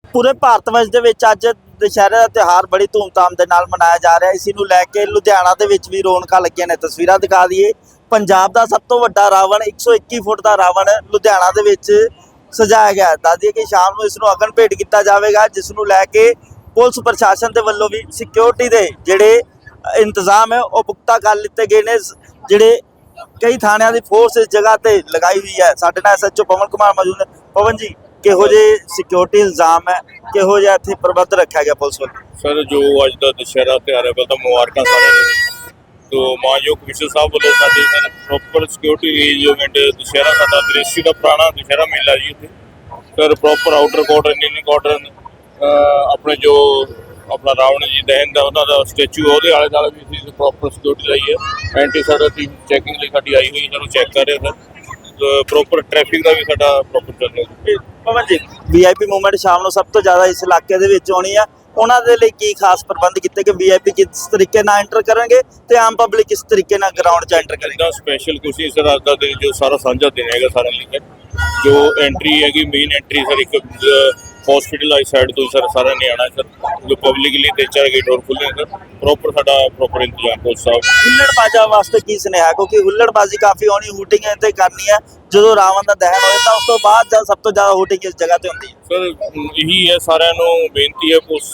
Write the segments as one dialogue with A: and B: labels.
A: ਪੂਰੇ ਭਾਰਤ ਵਰਸ਼ ਦੇ ਵਿੱਚ ਅੱਜ ਦੁਸ਼ਹਿਰੇ ਦਾ ਤਿਉਹਾਰ ਬੜੀ ਧੂਮਧਾਮ ਦੇ ਨਾਲ ਮਨਾਇਆ ਜਾ ਰਿਹਾ। ਇਸੇ ਨੂੰ ਲੈ ਕੇ ਲੁਧਿਆਣਾ ਦੇ ਵਿੱਚ ਵੀ ਰੌਣਕਾਂ ਲੱਗੀਆਂ ਨੇ। ਤਸਵੀਰਾਂ ਦਿਖਾ ਦਈਏ, ਪੰਜਾਬ ਦਾ ਸਭ ਤੋਂ ਵੱਡਾ ਰਾਵਣ 121 ਫੁੱਟ ਦਾ ਰਾਵਣ ਲੁਧਿਆਣਾ ਦੇ ਵਿੱਚ ਸਜਾਇਆ ਗਿਆ। ਦੱਸ ਦਈਏ ਕਿ ਸ਼ਾਮ ਨੂੰ ਇਸ ਨੂੰ ਅਗਨ ਭੇਟ ਕੀਤਾ ਜਾਵੇਗਾ, ਜਿਸ ਨੂੰ ਲੈ ਕੇ ਪੁਲਿਸ ਪ੍ਰਸ਼ਾਸਨ ਦੇ ਵੱਲੋਂ ਵੀ ਸਿਕਿਉਰਿਟੀ ਦੇ ਜਿਹੜੇ ਇੰਤਜ਼ਾਮ ਹੈ ਉਹ ਪੁਖਤਾ ਕਰ ਲਿੱਤੇ ਗਏ ਨੇ। ਜਿਹੜੇ ਕਈ ਥਾਣਿਆਂ ਦੀ ਫੋਰਸ ਇਸ ਜਗ੍ਹਾ ਤੇ ਲਗਾਈ ਹੋਈ ਹੈ। ਸਾਡੇ ਨਾਲ ਐਸਐਚਓ ਪਵਨ ਕੁਮਾਰ ਮੌਜੂਦ ਨੇ। ਪਵਨ ਜੀ, ਕਿਹੋ ਜਿਹੇ ਸਿਕਿਉਰਿਟੀ ਇਲਜ਼ਾਮ ਹੈ, ਕਿਹੋ ਜਿਹਾ ਇੱਥੇ ਪ੍ਰਬੰਧ ਰੱਖਿਆ ਗਿਆ ਪੁਲਿਸ ਵੱਲੋਂ?
B: ਸਰ, ਜੋ ਅੱਜ ਦਾ ਦੁਸ਼ਹਿਰਾ ਤਿਉਹਾਰ ਹੈ, ਪਹਿਲਾਂ ਤਾਂ ਮੁਬਾਰਕਾਂ ਸਾਰਿਆਂ ਨੂੰ। ਤੋ ਮਾਨਯੋਗ ਕਮਿਸ਼ਨਰ ਸਾਹਿਬ ਵੱਲੋਂ ਸਾਡੇ ਪ੍ਰੋਪਰ ਸਿਕਿਉਰਿਟੀ ਅਰੇਂਜਮੈਂਟ, ਦੁਸ਼ਹਿਰਾ ਸਾਡਾ ਦ੍ਰਿਸ਼ੀ ਦਾ ਪੁਰਾਣਾ ਦੁਸ਼ਹਿਰਾ ਮੇਲਾ ਜੀ ਇੱਥੇ sir, proper outer cordon, inner cordon, ਆਪਣੇ ਜੋ ਆਪਣਾ ਰਾਵਣ ਜੀ ਦਹਨ ਦਾ ਉਹਨਾਂ ਦਾ ਸਟੈਚੂ ਉਹਦੇ ਆਲੇ ਦੁਆਲੇ ਵੀ ਅਸੀਂ ਪ੍ਰੋਪਰ ਸਿਕਿਉਰਿਟੀ ਲਾਈ ਹੈ। ਐਂਟੀ ਸਾਡਾ ਟੀਮ ਚੈਕਿੰਗ ਲਈ ਸਾਡੀ ਆਈ ਹੋਈ, ਇਹਨਾਂ ਨੂੰ ਚੈੱਕ ਕਰ ਰਹੇ ਸਰ। ਪ੍ਰੋਪਰ ਟ੍ਰੈਫਿਕ ਦਾ ਵੀ ਸਾਡਾ ਪ੍ਰੋਪਰ ਚੱਲ ਰਿਹਾ।
A: ਪਵਨ ਜੀ, ਵੀਆਈਪੀ ਮੂਵਮੈਂਟ ਸ਼ਾਮ ਨੂੰ ਸਭ ਤੋਂ ਜ਼ਿਆਦਾ ਇਸ ਇਲਾਕੇ ਦੇ ਵਿੱਚ ਆਉਣੀ ਆ, ਉਹਨਾਂ ਦੇ ਲਈ ਕੀ ਖਾਸ ਪ੍ਰਬੰਧ ਕੀਤੇ ਕਿ ਵੀਆਈਪੀ ਕਿਸ ਤਰੀਕੇ ਨਾਲ ਐਂਟਰ ਕਰਨਗੇ ਤੇ ਆਮ ਪਬਲਿਕ ਕਿਸ ਤਰੀਕੇ ਨਾਲ ਗਰਾਊਂਡ 'ਚ ਐਂਟਰ ਕਰੇਗੀ?
B: ਇਹਦਾ ਸਪੈਸ਼ਲ ਕੁਛ ਨਹੀਂ ਸਰ, ਅੱਜ ਦਾ ਦਿਨ ਜੋ ਸਾਰਾ ਸਾਂਝਾ ਦਿਨ ਹੈਗਾ ਸਾਰਿਆਂ ਲਈ ਸਰ। ਜੋ ਐਂਟਰੀ ਹੈਗੀ, ਮੇਨ ਐਂਟਰੀ ਸਰ ਇੱਕ ਹਸਪੀਟਲ ਵਾਲੀ ਸਾਈਡ ਤੋਂ ਸਰ ਸਾਰਿਆਂ ਨੇ ਆਉਣਾ ਸਰ। ਜੋ ਪਬਲਿਕ ਲਈ 3-4 ਗੇਟ ਹੋਰ ਖੁੱਲ੍ਹੇ ਸਰ। ਪ੍ਰੋਪਰ ਸਾਡਾ ਪ੍ਰੋਪਰ ਇੰਤਜ਼ਾਮ ਪੁਲਿਸ ਸਾਹਿਬ।
A: ਹੁੱਲੜਬਾਜ਼ਾਂ ਵਾਸਤੇ ਕੀ ਸੁਨੇਹਾ? ਕਿਉਂਕਿ ਹੁੱਲੜਬਾਜ਼ੀ ਕਾਫੀ ਆਉਣੀ, ਹੂਟਿੰਗ ਤੇ ਕਰਨੀ ਹੈ ਜਦੋਂ ਰਾਵਣ ਦਾ ਦਹਨ ਹੋ ਜਾਂਦਾ, ਉਸ ਤੋਂ ਬਾਅਦ ਜਦ ਸਭ ਤੋਂ ਜ਼ਿਆਦਾ ਹੂਟਿੰਗ ਇਸ ਜਗ੍ਹਾ ਤੇ ਹੁੰਦੀ ਹੈ।
B: ਸਰ, ਇਹੀ ਹੈ ਸਾਰਿਆਂ ਨੂੰ ਬੇਨਤੀ ਹੈ ਪੁਲਿਸ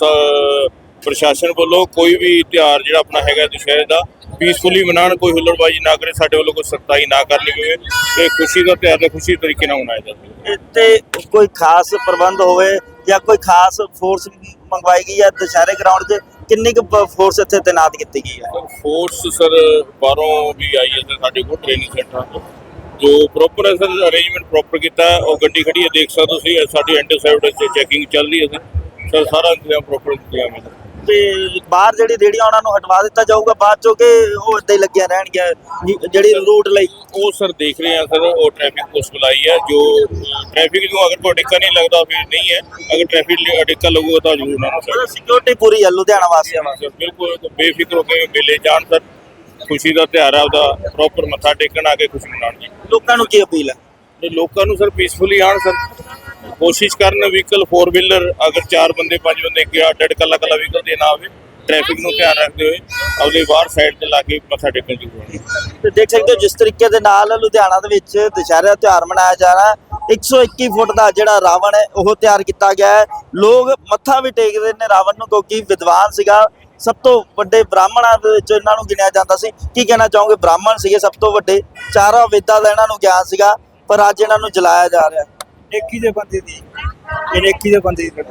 B: ਪ੍ਰਸ਼ਾਸਨ ਵੱਲੋਂ, ਕੋਈ ਵੀ ਤਿਉਹਾਰ ਜਿਹੜਾ ਆਪਣਾ ਹੈਗਾ ਦੁਸ਼ਹਿਰੇ ਦਾ ਪੀਸਫੁਲੀ ਮਨਾਉਣ, ਕੋਈ ਹੁੱਲੜਬਾਜ਼ੀ ਨਾ ਕਰੇ, ਸਾਡੇ ਵੱਲੋਂ ਕੋਈ ਸਖਤਾਈ ਨਾ ਕਰਨੀ ਪਵੇ ਤੇ ਖੁਸ਼ੀ ਦਾ ਤਿਉਹਾਰ ਦਾ ਖੁਸ਼ੀ ਤਰੀਕੇ ਨਾਲ ਮਨਾਇਆ ਜਾਵੇ।
A: ਇੱਥੇ ਕੋਈ ਖਾਸ ਪ੍ਰਬੰਧ ਹੋਵੇ ਜਾਂ ਕੋਈ ਖਾਸ ਫੋਰਸ ਮੰਗਵਾਈ ਗਈ ਹੈ ਦੁਸ਼ਹਿਰੇ ਗਰਾਊਂਡ 'ਚ? ਕਿੰਨੀ ਕੁ ਫੋਰਸ ਇੱਥੇ ਤੈਨਾਤ ਕੀਤੀ ਗਈ ਹੈ?
B: ਫੋਰਸ ਸਰ ਬਾਹਰੋਂ ਵੀ ਆਈ ਹੈ ਸਰ ਸਾਡੇ ਕੋਲ ਟ੍ਰੇਨਿੰਗ ਸੈਂਟਰਾਂ ਤੋਂ, ਜੋ ਪ੍ਰੋਪਰ ਹੈ ਸਰ ਅਰੇਂਜਮੈਂਟ ਪ੍ਰੋਪਰ ਕੀਤਾ। ਉਹ ਗੱਡੀ ਖੜੀ ਹੈ, ਦੇਖ ਸਕਦੇ ਤੁਸੀਂ, ਸਾਡੀ ਐਂਟੀ ਸਾਈਡ ਚੈਕਿੰਗ ਚੱਲ ਰਹੀ ਹੈ ਸਰ। ਸਾਰਾ ਇੰਤਜ਼ਾਮ ਪ੍ਰੋਪਰ ਇੰਤਜ਼ਾਮ ਹੈ।
A: ਤੇ ਬਾਹਰ ਜਿਹੜੀ ਰੇਹੜੀਆਂ ਉਹਨਾਂ ਨੂੰ ਹਟਵਾ ਦਿੱਤਾ ਜਾਊਗਾ ਬਾਅਦ ਚੋਂ, ਕਿ ਉਹ ਇੱਦਾਂ ਹੀ ਲੱਗੀਆਂ ਰਹਿਣਗੀਆਂ ਜਿਹੜੀ ਰੂਟ ਲਈ?
B: ਉਹ ਸਰ ਦੇਖ ਰਹੇ ਹਾਂ ਸਰ, ਉਹ ਟ੍ਰੈਫਿਕ ਪੁਲਿਸ ਬੁਲਾਈ ਹੈ। ਜੋ ਟ੍ਰੈਫਿਕ ਨੂੰ ਅਗਰ ਕੋਈ ਅੜਿੱਕਾ ਨਹੀਂ ਲੱਗਦਾ ਫਿਰ ਨਹੀਂ ਹੈ, ਅਗਰ ਟ੍ਰੈਫਿਕ ਅੜਿੱਕਾ ਲੱਗੂਗਾ ਤਾਂ ਜ਼ਰੂਰ ਨਾ ਸਰ।
A: ਸਿਕਿਉਰਿਟੀ ਪੂਰੀ ਹੈ ਲੁਧਿਆਣਾ ਵਾਸੀਆਂ ਵਾਸਤੇ?
B: ਬਿਲਕੁਲ ਬੇਫਿਕਰ ਹੋ ਕੇ ਮੇਲੇ ਜਾਣ ਸਰ। ਖੁਸ਼ੀ ਦਾ ਤਿਉਹਾਰ ਆ, ਉਹਦਾ ਪ੍ਰੋਪਰ ਮੱਥਾ ਟੇਕਣ ਆ ਕੇ ਖੁਸ਼ੀ ਮਨਾਉਣ ਜੀ।
A: ਲੋਕਾਂ ਨੂੰ ਕੀ ਅਪੀਲ ਹੈ?
B: ਤੇ ਲੋਕਾਂ ਨੂੰ ਸਰ ਪੀਸਫੁਲੀ ਆਉਣ ਸਰ, ਕੋਸ਼ਿਸ਼ ਕਰਨ ਵਹੀਕਲ 4 ਵੀਲਰ ਅਗਰ 4 ਬੰਦੇ 5 ਬੰਦੇ ਗਿਆ ਡੇਢ ਕੱਲਾ ਵਹੀਕਲ ਤੇ ਨਾ ਆਵੇ, ਟ੍ਰੈਫਿਕ ਨੂੰ ਧਿਆਨ ਰੱਖਦੇ ਹੋਏ ਆਪਣੀ ਬਾਹਰ ਸਾਈਡ ਤੇ ਲਾ ਕੇ ਮੱਥਾ ਟੇਕਣ ਜ਼ਰੂਰੀ ਹੈ।
A: ਤੇ ਦੇਖ ਸਕਦੇ ਹੋ ਜਿਸ ਤਰੀਕੇ ਦੇ ਨਾਲ ਲੁਧਿਆਣਾ ਦੇ ਵਿੱਚ ਦੁਸ਼ਹਿਰੇ ਦਾ ਤਿਉਹਾਰ ਮਨਾਇਆ ਜਾ ਰਿਹਾ। 121 ਫੁੱਟ ਦਾ ਜਿਹੜਾ ਰਾਵਣ ਹੈ ਉਹ ਤਿਆਰ ਕੀਤਾ ਗਿਆ ਹੈ। ਲੋਕ ਮੱਥਾ ਵੀ ਟੇਕਦੇ ਨੇ ਰਾਵਣ ਨੂੰ, ਕਿਉਂਕਿ ਵਿਦਵਾਨ ਸੀਗਾ, ਸਭ ਤੋਂ ਵੱਡੇ ਬ੍ਰਾਹਮਣਾਂ ਦੇ ਵਿੱਚ ਇਹਨਾਂ ਨੂੰ ਗਿਣਿਆ ਜਾਂਦਾ ਸੀ। ਕੀ ਕਹਿਣਾ ਚਾਹੋਗੇ? ਬ੍ਰਾਹਮਣ ਸੀਗੇ ਸਭ ਤੋਂ ਵੱਡੇ, ਚਾਰਾਂ ਵੇਦਾਂ ਦਾ ਇਹਨਾਂ ਨੂੰ ਗਿਆਨ ਸੀਗਾ, ਪਰ ਅੱਜ ਇਹਨਾਂ ਨੂੰ ਜਲਾਇਆ ਜਾ ਰਿਹਾ।
C: ਨੇਕੀ ਦੇ ਬੰਦੇ ਦੀ, ਇਹ ਨੇਕੀ ਦੇ ਬੰਦੇ ਦੀ।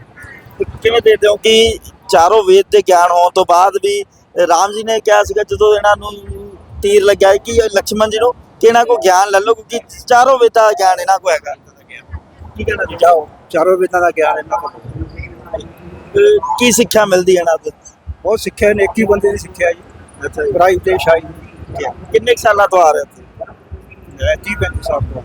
A: ਕਿਵੇਂ ਦੇਖਦੇ ਹੋ ਕਿ ਚਾਰੋਂ ਵੇਦ ਦੇ ਗਿਆਨ ਹੋਣ ਤੋਂ ਬਾਅਦ ਵੀ ਰਾਮ ਜੀ ਨੇ ਕਿਹਾ ਸੀਗਾ ਜਦੋਂ ਇਹਨਾਂ ਨੂੰ ਤੀਰ ਲੱਗਿਆ ਕਿ ਲਕਸ਼ਮਣ ਜੀ ਨੂੰ ਕਿ ਇਹਨਾਂ ਕੋ ਗਿਆਨ ਲੈ ਲਓ, ਕਿਉਂਕਿ ਚਾਰੋਂ ਵੇਦਾਂ ਦਾ ਗਿਆਨ ਇਹਨਾਂ ਕੋ ਹੈਗਾ। ਕੀ ਕਹਿਣਾ ਚਾਹੋ?
C: ਚਾਰੋਂ ਵੇਦਾਂ ਦਾ ਗਿਆਨ ਇਹਨਾਂ ਕੋਲ।
A: ਕੀ ਸਿੱਖਿਆ ਮਿਲਦੀ ਹੈ ਇਹਨਾਂ ਤੋਂ?
C: ਬਹੁਤ ਸਿੱਖਿਆ, ਨੇਕੀ ਬੰਦੇ ਦੀ ਸਿੱਖਿਆ ਜੀ।
A: ਅੱਛਾ ਜੀ।
C: ਬੁਰਾਈ ਤੇ ਸ਼ਾਈ।
A: ਕਿੰਨੇ ਸਾਲਾਂ ਤੋਂ ਆ ਰਹੇ ਇੱਥੇ?
C: 30-35 ਸਾਲ ਤੋਂ।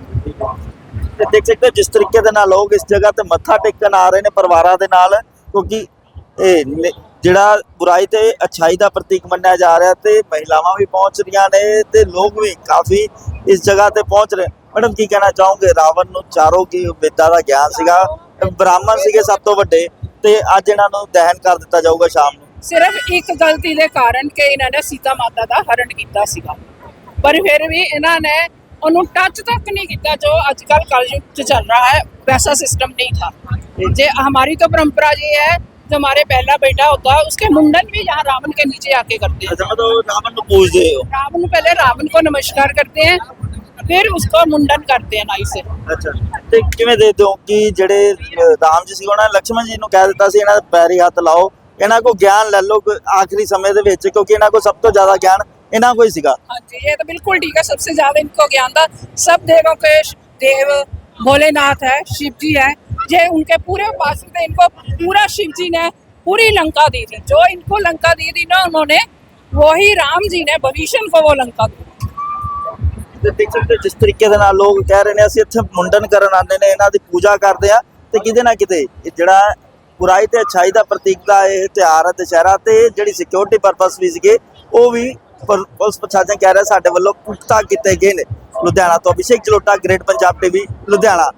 A: ਤੇ ਦੇਖ ਸਕਦੇ ਹੋ ਜਿਸ ਤਰੀਕੇ ਦੇ ਨਾਲ ਲੋਕ ਇਸ ਜਗ੍ਹਾ ਤੇ ਮੱਥਾ ਟੇਕਣ ਆ ਰਹੇ ਨੇ ਪਰਿਵਾਰਾਂ ਦੇ ਨਾਲ, ਕਿਉਂਕਿ ਇਹ ਜਿਹੜਾ ਬੁਰਾਈ ਤੇ ਅੱਛਾਈ ਦਾ ਪ੍ਰਤੀਕ ਮੰਨਿਆ ਜਾ ਰਿਹਾ, ਤੇ ਮਹਿਲਾਵਾਂ ਵੀ ਪਹੁੰਚ ਰਹੀਆਂ ਨੇ ਤੇ ਲੋਕ ਵੀ ਕਾਫੀ ਇਸ ਜਗ੍ਹਾ ਤੇ ਪਹੁੰਚ ਰਹੇ। ਮੈਡਮ, ਕੀ ਕਹਿਣਾ ਚਾਹੋਗੇ? ਰਾਵਣ ਨੂੰ ਚਾਰੋਂ ਕੀ ਵੇਦਾਂ ਦਾ ਗਿਆਨ ਸੀਗਾ, ਬ੍ਰਾਹਮਣ ਸੀਗੇ ਸਭ ਤੋਂ ਵੱਡੇ, ਤੇ ਅੱਜ ਇਹਨਾਂ ਨੂੰ ਦਹਨ ਕਰ ਦਿੱਤਾ ਜਾਊਗਾ ਸ਼ਾਮ ਨੂੰ
D: ਸਿਰਫ ਇੱਕ ਗਲਤੀ ਦੇ ਕਾਰਨ ਕਿ ਇਹਨਾਂ ਨੇ ਸੀਤਾ ਮਾਤਾ ਦਾ ਹਰਨ ਕੀਤਾ ਸੀਗਾ, ਪਰ ਫਿਰ ਵੀ ਇਹਨਾਂ ਨੇ ਉਹਨੂੰ ਟੱਚ तक नहीं किया जो आजकल कलयुग चल रहा है, वैसा सिस्टम नहीं था। जे हमारी तो परंपरा ये है, जो हमारे पहला बेटा होता है उसके मुंडन भी यहाँ रावण के नीचे आके करते हैं।
A: ਰਾਵਣ ਨੂੰ ਪੂਜਦੇ ਹੋ?
D: रावण पहले रावण को नमस्कार करते हैं, फिर उसको मुंडन करते हैं नाई से।
A: ਅੱਛਾ, ਤੇ ਕਿਵੇਂ ਦੇਖਦੇ ਹੋ ਕਿ ਜਿਹੜੇ ਰਾਮ ਜੀ ਸੀ ਉਹਨਾਂ ਨੇ ਲਕਸ਼ਮਣ ਜੀ ਨੂੰ ਕਹਿ ਦਿੱਤਾ ਸੀ ਇਹਨਾਂ ਦੇ ਪੈਰੀ ਹੱਥ ਲਾਓ, ਇਹਨਾਂ ਕੋ ਗਿਆਨ ਲੈ ਲਓ ਆਖਰੀ ਸਮੇਂ ਦੇ ਵਿੱਚ, ਕਿਉਂਕਿ ਇਹਨਾਂ ਕੋ ਸਭ ਤੋਂ ਜ਼ਿਆਦਾ ਗਿਆਨ ਇਹਨਾਂ को ही सीखा?
D: हाँ जी, ये तो बिल्कुल ठीक है। सबसे ज्यादा इनको ज्ञान था, सब देवों के देव भोलेनाथ है, शिव जी है, ये उनके पूरे उपासक थे। इनको पूरा शिव जी ने पूरी लंका दी थी, जो इनको लंका दी थी ना उन्होंने, वही राम जी ने भविष्य को वो लंका दी।
A: देख सकते जिस तरीके ਦੇ ਨਾਲ ਲੋਕ ਕਹਿ ਰਹੇ ਨੇ ਅਸੀਂ ਇੱਥੇ ਮੁੰਡਨ ਕਰਨ ਆਉਂਦੇ ਨੇ, ਇਹਨਾਂ ਦੀ ਪੂਜਾ ਕਰਦੇ ਆ, ਤੇ ਕਿਤੇ ਨਾ ਕਿਤੇ ਜਿਹੜਾ ਬੁਰਾਈ ਤੇ ਅੱਛਾਈ ਦਾ ਪ੍ਰਤੀਕ ਦਾ ਇਹ ਤਿਉਹਾਰ ਹੈ ਦੁਸ਼ਹਿਰਾ, ਤੇ ਜਿਹੜੀ ਸਿਕਿਉਰਿਟੀ ਪਰਪਸ ਵੀ ਸੀਗੇ ਉਹ ਵੀ ਪੁਲਿਸ ਪ੍ਰਸ਼ਾਸਨ ਕਹਿ ਰਿਹਾ ਸਾਡੇ ਵੱਲੋਂ ਪੁਖਤਾ ਕੀਤੇ ਗਏ ਨੇ। ਲੁਧਿਆਣਾ ਤੋਂ ਅਭਿਸ਼ੇਕ ਜਲੋਟਾ, ਗ੍ਰੇਟ ਪੰਜਾਬ ਟੀਵੀ, ਲੁਧਿਆਣਾ।